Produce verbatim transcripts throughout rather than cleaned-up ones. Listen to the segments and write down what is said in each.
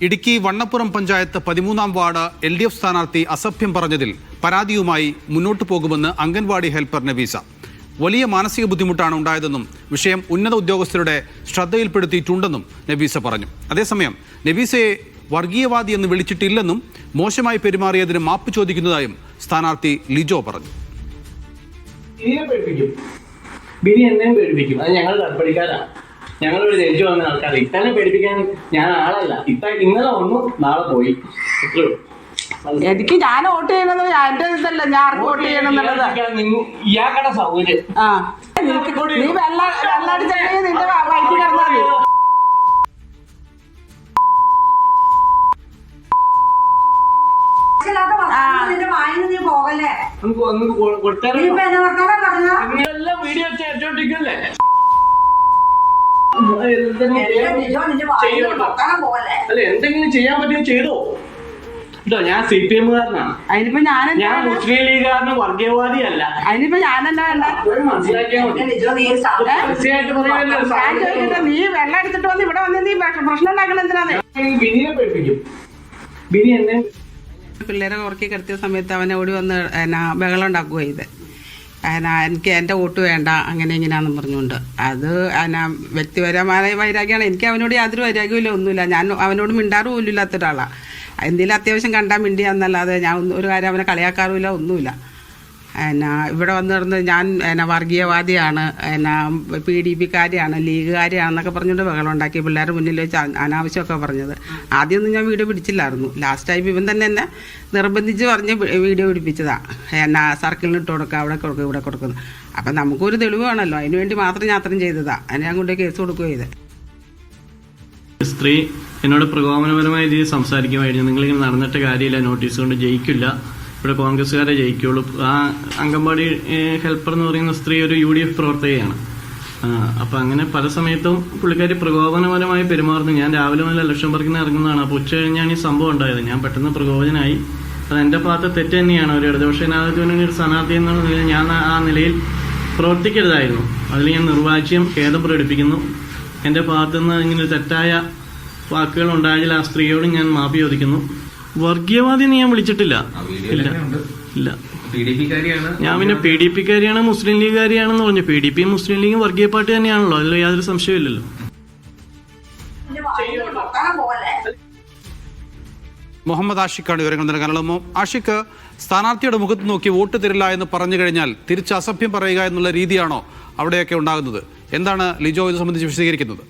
ഇടുക്കി വണ്ണപ്പുറം പഞ്ചായത്ത് പതിമൂന്നാം ward L D F സ്ഥാനാർത്ഥി അസഭ്യം പറഞ്ഞതിൽ പരാതിയുമായി മുന്നോട്ടു പോകുമെന്ന് അംഗൻവാടി ഹെൽപ്പർ നബീസ. വലിയ മാനസിക ബുദ്ധിമുട്ടാണ് ഉണ്ടായതെന്നും വിഷയം ഉന്നത ഉദ്യോഗസ്ഥരുടെ ശ്രദ്ധയിൽപ്പെടുത്തിയിട്ടുണ്ടെന്നും നബീസ പറഞ്ഞു. അതേസമയം നബീസയെ വർഗീയവാദി എന്ന് വിളിച്ചിട്ടില്ലെന്നും മോശമായി പെരുമാറിയതിന് മാപ്പ് ചോദിക്കുന്നതായും സ്ഥാനാർത്ഥി ലിജോ പറഞ്ഞു. ബിനി എന്നെയും പേടിപ്പിക്കും. അത് ഞങ്ങൾ കടപ്പടിക്കാരാണ്. ഞങ്ങളൊരു ജയിച്ചു വന്ന ആൾക്കാർ. ഇത്തന്നെ പേടിപ്പിക്കാൻ ഞാൻ ആളല്ല. ഇത്ത ഇന്നലെ വന്നു, നാളെ പോയി. എനിക്ക് ഞാൻ വോട്ട് ചെയ്യണമെന്ന് എന്റെ ഇതല്ല, ഞാൻ ആർക്ക് വോട്ട് ചെയ്യണമെന്നുള്ളത് ഇയാക്കടെ സൗകര്യം. ആ നീ വെള്ളം വെള്ളം അടിച്ചിട്ടുണ്ടെങ്കിൽ നിന്റെ വഴിക്ക് കിടന്നാൽ മതി. വീഡിയോ ചേച്ചോണ്ടിരിക്കല്ലേ അല്ല, എന്തെങ്കിലും ചെയ്യാൻ പറ്റുമോ ചെയ്തോ കേട്ടോ. ഞാൻ സി പി എമ്മുകാരനാണ്. അതിനിപ്പോ ഞാൻ ഞാൻ മുസ്ലിം ലീഗുകാരന് വർഗീയവാദിയല്ല. അതിനിപ്പോ ഞാനെന്താ വേണ്ട മനസ്സിലാക്കിയാൽ മതി. നീ വെള്ളം എടുത്തിട്ട് വന്ന് ഇവിടെ വന്ന് നീ പ്രശ്നം ഉണ്ടാക്കണ എന്തിനാണ്? ബിനിയെ പേടിപ്പിക്കും. ബിനി എന്നെ പിള്ളേരെ ഉറക്കി കിടത്തിയ സമയത്ത് അവനെ ഓടി വന്ന് എന്നാ ബഹളം ഉണ്ടാക്കുക ചെയ്ത് എന്നാ എനിക്ക് എൻ്റെ വോട്ട് വേണ്ട അങ്ങനെ ഇങ്ങനെയാണെന്ന് പറഞ്ഞുകൊണ്ട്. അത് എന്നാ വ്യക്തിപരമായ വൈരാഗ്യമാണ്. എനിക്ക് അവനോട് യാതൊരു വൈരാഗ്യമില്ല, ഒന്നുമില്ല. ഞാൻ അവനോട് മിണ്ടാറ് പോലും ഇല്ലാത്ത ഒരാളാണ്. എന്തെങ്കിലും അത്യാവശ്യം കണ്ടാൽ മിണ്ടിയാന്നല്ലാതെ ഞാൻ ഒരു കാര്യം അവനെ കളിയാക്കാറുമില്ല, ഒന്നുമില്ല. എന്നാ ഇവിടെ വന്ന് കിടന്ന് ഞാൻ എന്നാ വർഗീയവാദിയാണ്, എന്നാ പി ഡി പിക്കാരിയാണ്, ലീഗുകാരിയാണെന്നൊക്കെ പറഞ്ഞുകൊണ്ട് ബഹളം ഉണ്ടാക്കി പിള്ളേരുടെ മുന്നിൽ വെച്ച് അനാവശ്യമൊക്കെ പറഞ്ഞത്. ആദ്യമൊന്നും ഞാൻ വീഡിയോ പിടിച്ചില്ലായിരുന്നു. ലാസ്റ്റ് ടൈം ഇവൻ തന്നെ എന്നെ നിർബന്ധിച്ച് പറഞ്ഞ് വീഡിയോ പിടിപ്പിച്ചതാണ്. എന്നാ സർക്കിളിന് ഇട്ട് കൊടുക്കുക, അവിടെ കൊടുക്കുക, ഇവിടെ കൊടുക്കുന്നു. അപ്പം നമുക്കൊരു തെളിവ് വേണമല്ലോ, അതിന് വേണ്ടി മാത്രം ഞാൻ അത്രയും ചെയ്തതാണ്. അതിന് ഞാൻ കൊണ്ട് കേസ് കൊടുക്കുക ചെയ്ത്. സ്ത്രീ എന്നോട് പ്രകോപനപരമായ രീതിയിൽ സംസാരിക്കുമായിരുന്നു. നിങ്ങളിങ്ങനെ നടന്നിട്ട് കാര്യമില്ല, നോട്ടീസ് കൊണ്ട് ജയിക്കില്ല, ഇവിടെ കോൺഗ്രസ്സുകാരെ ജയിക്കുള്ളൂ. ആ അംഗൻവാടി ഹെൽപ്പർ എന്ന് പറയുന്ന സ്ത്രീ ഒരു യു ഡി എഫ് പ്രവർത്തകയാണ്. അപ്പം അങ്ങനെ പല സമയത്തും പുള്ളിക്കാരി പ്രകോപനപരമായി പെരുമാറുന്നു. ഞാൻ രാവിലെ മുതൽ ലക്ഷം പറക്കുന്ന ഇറങ്ങുന്നതാണ്. അപ്പോൾ ഉച്ച കഴിഞ്ഞാണ് ഈ സംഭവം ഉണ്ടായത്. ഞാൻ പെട്ടെന്ന് പ്രകോപനായി. അത് എൻ്റെ ഭാഗത്ത് തെറ്റ് തന്നെയാണ്. ഒരു ഇടതുപക്ഷ ജനാധിപത്യത്തിന് ഒരു സ്ഥാനാർത്ഥി എന്നുള്ള നിലയിൽ ഞാൻ ആ നിലയിൽ പ്രവർത്തിക്കരുതായിരുന്നു. അതിൽ ഞാൻ നിർവാച്യം ഖേദം പ്രകടിപ്പിക്കുന്നു. എൻ്റെ ഭാഗത്തുനിന്ന് ഇങ്ങനെ തെറ്റായ വാക്കുകൾ ഉണ്ടായാൽ ആ സ്ത്രീയോട് ഞാൻ മാപ്പി ചോദിക്കുന്നു. വർഗീയവാദി ഞാൻ വിളിച്ചിട്ടില്ല. ഇല്ല ഇല്ല ഞാൻ പിന്നെ പി ഡി പിക്കാരിയാണ്, മുസ്ലിം ലീഗുകാരിയാണെന്ന് പറഞ്ഞു. പി ഡി പിയും മുസ്ലിം ലീഗും വർഗീയ പാർട്ടി തന്നെയാണല്ലോ, അതിൽ യാതൊരു സംശയമില്ലല്ലോ. മുഹമ്മദ് ആഷിഖാണ് വിവരങ്ങൾ നൽകാനുള്ളത്. ആഷിഖ്, സ്ഥാനാർത്ഥിയുടെ മുഖത്ത് നോക്കി വോട്ട് തരില്ല എന്ന് പറഞ്ഞു കഴിഞ്ഞാൽ തിരിച്ച് അസഭ്യം പറയുക എന്നുള്ള രീതിയാണോ അവിടെയൊക്കെ ഉണ്ടാകുന്നത്? എന്താണ് ലിജോ ഇത് സംബന്ധിച്ച് വിശദീകരിക്കുന്നത്?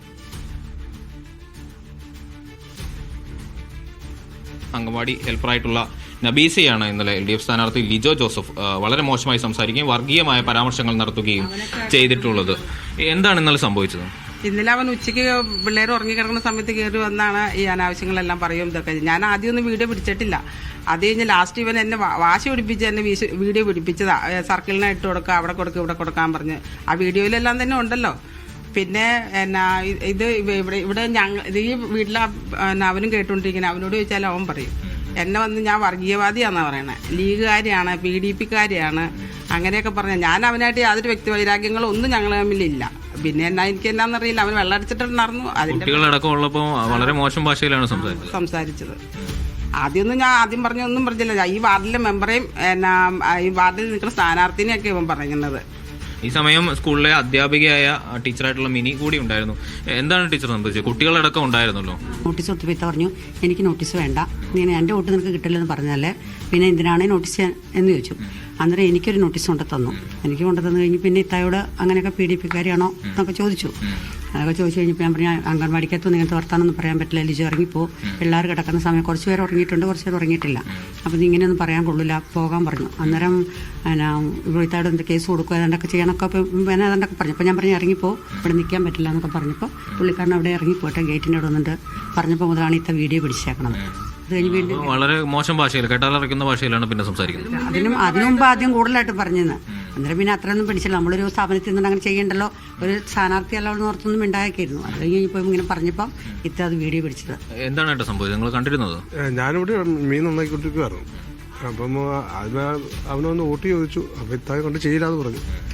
അംഗൻവാടി ഹെൽപ്പറായിട്ടുള്ള നബീസയാണ് ഇന്നലെ എൽ ഡി എഫ് സ്ഥാനാർത്ഥി ലിജോ ജോസഫ് വളരെ മോശമായി സംസാരിക്കുകയും വർഗീയമായ പരാമർശങ്ങൾ നടത്തുകയും ചെയ്തിട്ടുള്ളത്. എന്താണ് ഇന്നലെ സംഭവിച്ചത്? ഇന്നലെ അവൻ ഉച്ചയ്ക്ക് പിള്ളേർ ഉറങ്ങിക്കിടക്കുന്ന സമയത്ത് കയറി വന്നാണ് ഈ അനാവശ്യങ്ങളെല്ലാം പറയും ഇതൊക്കെ. ഞാൻ ആദ്യമൊന്നും വീഡിയോ പിടിച്ചിട്ടില്ല. അത് കഴിഞ്ഞ് ലാസ്റ്റ് ഇവൻ എന്നെ വാശി പിടിപ്പിച്ച് എന്നെ വീഡിയോ പിടിപ്പിച്ചതാ. സർക്കിളിനെ ഇട്ട് കൊടുക്കുക, അവിടെ കൊടുക്കുക, ഇവിടെ കൊടുക്കാൻ പറഞ്ഞ്. ആ വീഡിയോയിലെല്ലാം തന്നെ ഉണ്ടല്ലോ. പിന്നെ എന്നാ ഇത് ഇവിടെ ഇവിടെ ഞങ്ങൾ ഈ വീട്ടിലെ അവനും കേട്ടുകൊണ്ടിരിക്കുന്നത്. അവനോട് ചോദിച്ചാൽ അവൻ പറയും എന്നെ വന്ന് ഞാൻ വർഗീയവാദിയാണെന്നാണ് പറയണേ, ലീഗുകാരിയാണ്, പി ഡി പിക്കാരിയാണ്, അങ്ങനെയൊക്കെ പറഞ്ഞ. ഞാൻ അവനായിട്ട് യാതൊരു വ്യക്തി വൈരാഗ്യങ്ങളും ഒന്നും ഞങ്ങൾ തമ്മിലില്ല. പിന്നെ എന്നാ എനിക്ക് എന്നാന്നറിയില്ല, അവൻ വെള്ളം അടിച്ചിട്ടുണ്ടായിരുന്നു. അതിന്റെ വളരെ മോശം ഭാഷയിലാണ് സംസാരിച്ചത്. ആദ്യമൊന്നും ഞാൻ ആദ്യം പറഞ്ഞൊന്നും പറഞ്ഞില്ല. ഈ വാർഡിലെ മെമ്പറേയും എന്നാ ഈ വാർഡിൽ നിൽക്കുന്ന സ്ഥാനാർത്ഥിനെയൊക്കെ ഇവൻ പറയുന്നത്. ഈ സമയം സ്കൂളിലെ അധ്യാപികയായ ടീച്ചറായിട്ടുള്ള മിനി കൂടി ഉണ്ടായിരുന്നു. എന്താണ് ടീച്ചർ സംബന്ധിച്ചത്? കുട്ടികളടക്കം ഉണ്ടായിരുന്നല്ലോ. നോട്ടീസ് കൊടുത്തപ്പോൾ പറഞ്ഞു എനിക്ക് നോട്ടീസ് വേണ്ട, ഇങ്ങനെ എൻ്റെ വോട്ട് നിനക്ക് കിട്ടില്ലെന്ന് പറഞ്ഞാലേ പിന്നെ എന്തിനാണ് നോട്ടീസ് എന്ന് ചോദിച്ചു. അന്നേരം എനിക്കൊരു നോട്ടീസ് കൊണ്ട് തന്നു. എനിക്ക് കൊണ്ട് തന്നു കഴിഞ്ഞ് പിന്നെ ഇത്തായോട് അങ്ങനെയൊക്കെ പി ഡി പിക്കാരിയാണോ എന്നൊക്കെ ചോദിച്ചു. അതൊക്കെ ചോദിച്ചു കഴിഞ്ഞപ്പോൾ ഞാൻ പറഞ്ഞു അംഗൻവാടിക്കകത്തൊന്നും ഇങ്ങനത്തെ വർത്താനൊന്നും പറയാൻ പറ്റില്ല, ലിജോ ഇറങ്ങിപ്പോ, പിള്ളേർ കിടക്കുന്ന സമയം കുറച്ച് പേര് ഉറങ്ങിയിട്ടുണ്ട്, കുറച്ച് പേര് ഉറങ്ങിയിട്ടില്ല, അപ്പം നീ ഇങ്ങനെയൊന്നും പറയാൻ കൊള്ളില്ല, പോകാൻ പറഞ്ഞു. അന്നേരം എന്നാ ഇവിടുത്തായോട് എന്ത് കേസ് കൊടുക്കുക അതൊക്കെ ചെയ്യണമൊക്കെ പിന്നെ അതൊക്കെ പറഞ്ഞു. അപ്പോൾ ഞാൻ പറഞ്ഞു ഇറങ്ങിപ്പോ, ഇവിടെ നിൽക്കാൻ പറ്റില്ല എന്നൊക്കെ പറഞ്ഞപ്പോൾ പുള്ളിക്കാരൻ അവിടെ ഇറങ്ങിപ്പോട്ടെ ഗേറ്റിൻ്റെ അവിടെ വന്നിട്ട് പറഞ്ഞപ്പോൾ മുതലാണ് ഇത്ത വീഡിയോ പിടിച്ചേക്കണത്. വളരെ മോശം ഭാഷയിൽ കേട്ടാലറിക്കുന്ന ഭാഷയിലാണ് പിന്നെ സംസാരിക്കുന്നത്. അതിനും അതിനു മുമ്പ് ആദ്യം കൂടുതലായിട്ട് പറഞ്ഞത്. അന്നേരം പിന്നെ അത്രയൊന്നും പിടിച്ചില്ല. നമ്മളൊരു സ്ഥാപനത്തിൽ നിന്നുകൊണ്ട് അങ്ങനെ ചെയ്യണ്ടല്ലോ, ഒരു സ്ഥാനാർത്ഥി അല്ലാതെ ഓർത്തൊന്നും ഉണ്ടാക്കിയിരുന്നു. അത് കഴിഞ്ഞപ്പോൾ ഇങ്ങനെ പറഞ്ഞപ്പം ഇത്ത അത് വീഡിയോ പിടിച്ചത്. എന്താണ് സംഭവം നിങ്ങൾ കണ്ടിരുന്നത്? ഞാനിവിടെ മീൻ നന്നാക്കിക്കൊണ്ടിരിക്കുവായിരുന്നു. അപ്പം അതിന് അവനൊന്ന് വോട്ട് ചോദിച്ചു. അപ്പം ഇത്തായി കൊണ്ട് ചെയ്യില്ലാന്ന് പറഞ്ഞു.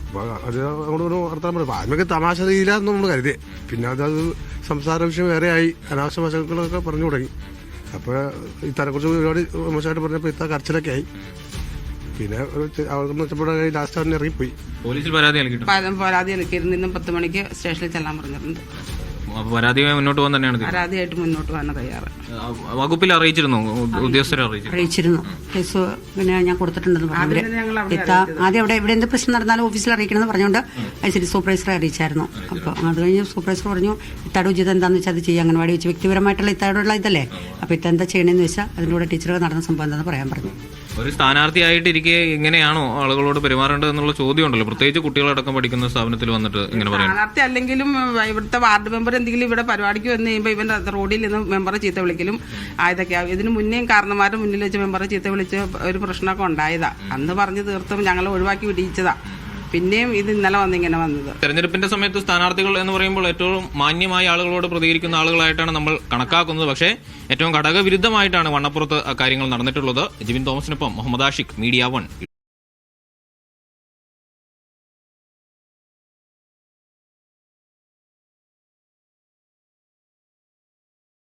അപ്പോൾ അത് അങ്ങോട്ട് വർത്താൻ പറയും. ആദ്യമൊക്കെ തമാശ രീതിയിലാണെന്ന് നമ്മൾ കരുതി. പിന്നെ അതത് സംസാര വിഷയം വേറെ ആയി, അനാവശ്യ വശങ്ങളൊക്കെ പറഞ്ഞു തുടങ്ങി. അപ്പോൾ ഇത്തനെക്കുറിച്ച് ഒരുപാട് മോശമായിട്ട് പറഞ്ഞപ്പോൾ ഇത്ത കരച്ചിലൊക്കെ ആയി. പിന്നെ അവർക്കൊന്ന് വെച്ചപ്പോഴേ ലാസ്റ്റ് അവൻ ഇറങ്ങിപ്പോയി. പോലീസിൽ പരാതി നൽകിയിട്ടുണ്ട്. പരാതി നൽകിയിരുന്നു. ഇന്നും പത്ത് മണിക്ക് സ്റ്റേഷനിൽ ചെല്ലാൻ പറഞ്ഞിട്ടുണ്ട്. അപ്പോൾ പരാതിയുമായി മുന്നോട്ട് പോകാൻ തന്നെയാണ് തീരുമാനം. പരാതിയായിട്ട് മുന്നോട്ട് പോകാൻ തയ്യാറ്. വകുപ്പിൽ അറിയിച്ചിരുന്നു, ഉദ്യോഗസ്ഥരെ അറിയിച്ചു അറിയിച്ചിരുന്നു. കേസ് പിന്നെ ഞാൻ കൊടുത്തിട്ടുണ്ടെന്ന് പറഞ്ഞു. ആദ്യം തന്നെ ഞങ്ങൾ അവിടെ ഇത്ത ആദ്യം അവിടെ ഇവിടെ എന്ത് പ്രശ്നം നടന്നാലും ഓഫീസിൽ അറിയിക്കണമെന്ന് പറഞ്ഞുകൊണ്ട് ഐ സി ഡി സൂപ്പർവൈസറെ അറിയിച്ചായിരുന്നു. അപ്പോൾ അത് കഴിഞ്ഞ് സൂപ്പർവൈസർ പറഞ്ഞു ഇത്താടെ ഉചിതം എന്താണെന്ന് വെച്ചാൽ അത് ചെയ്യുക. അംഗൻവാടി വെച്ച് വ്യക്തിപരമായിട്ടുള്ള ഇത്താടോടുള്ള ഇതല്ലേ, അപ്പോൾ ഇത്ത എന്താ ചെയ്യണമെന്ന് വെച്ചാൽ അതിൻ്റെ കൂടെ ടീച്ചറുകൾ നടന്ന സംഭവം എന്താണെന്ന് പറയാൻ പറഞ്ഞു. ഒരു സ്ഥാനാർത്ഥിയായിട്ടിരിക്കെ ഇങ്ങനെയാണോ ആളുകളോട് പെരുമാറേണ്ടത് എന്നുള്ള ചോദ്യം ഉണ്ടല്ലോ, പ്രത്യേകിച്ച് കുട്ടികളടക്കം പഠിക്കുന്ന സ്ഥാപനത്തിൽ വന്നിട്ട് ഇങ്ങനെ പറയാം. സ്ഥാനാർത്ഥി അല്ലെങ്കിലും ഇവിടുത്തെ വാർഡ് മെമ്പർ എന്തെങ്കിലും ഇവിടെ പരിപാടിക്ക് വന്നു കഴിയുമ്പോൾ ഇവൻ റോഡിൽ നിന്ന് മെമ്പറെ ചീത്ത വിളിക്കലും ആയതൊക്കെയാവും. ഇതിന് മുന്നേയും കാരണന്മാരുടെ മുന്നിൽ വെച്ച് മെമ്പറെ ചീത്ത വിളിച്ച് ഒരു പ്രശ്നമൊക്കെ ഉണ്ടായതാ. അന്ന് പറഞ്ഞു തീർത്തും ഞങ്ങൾ ഒഴിവാക്കി വിടിയിച്ചതാ. പിന്നെയും ഇത് ഇന്നലെ വന്നിങ്ങനെ വന്നത്. തെരഞ്ഞെടുപ്പിന്റെ സമയത്ത് സ്ഥാനാർത്ഥികൾ എന്ന് പറയുമ്പോൾ ഏറ്റവും മാന്യമായ ആളുകളോട് പ്രതികരിക്കുന്ന ആളുകളായിട്ടാണ് നമ്മൾ കണക്കാക്കുന്നത്. പക്ഷേ ഏറ്റവും ഘടകവിരുദ്ധമായിട്ടാണ് വണ്ണപ്പുറത്ത് കാര്യങ്ങൾ നടന്നിട്ടുള്ളത്. ജിബിൻ തോമസിനൊപ്പം മുഹമ്മദ് ആഷിഖ്, മീഡിയ വൺ.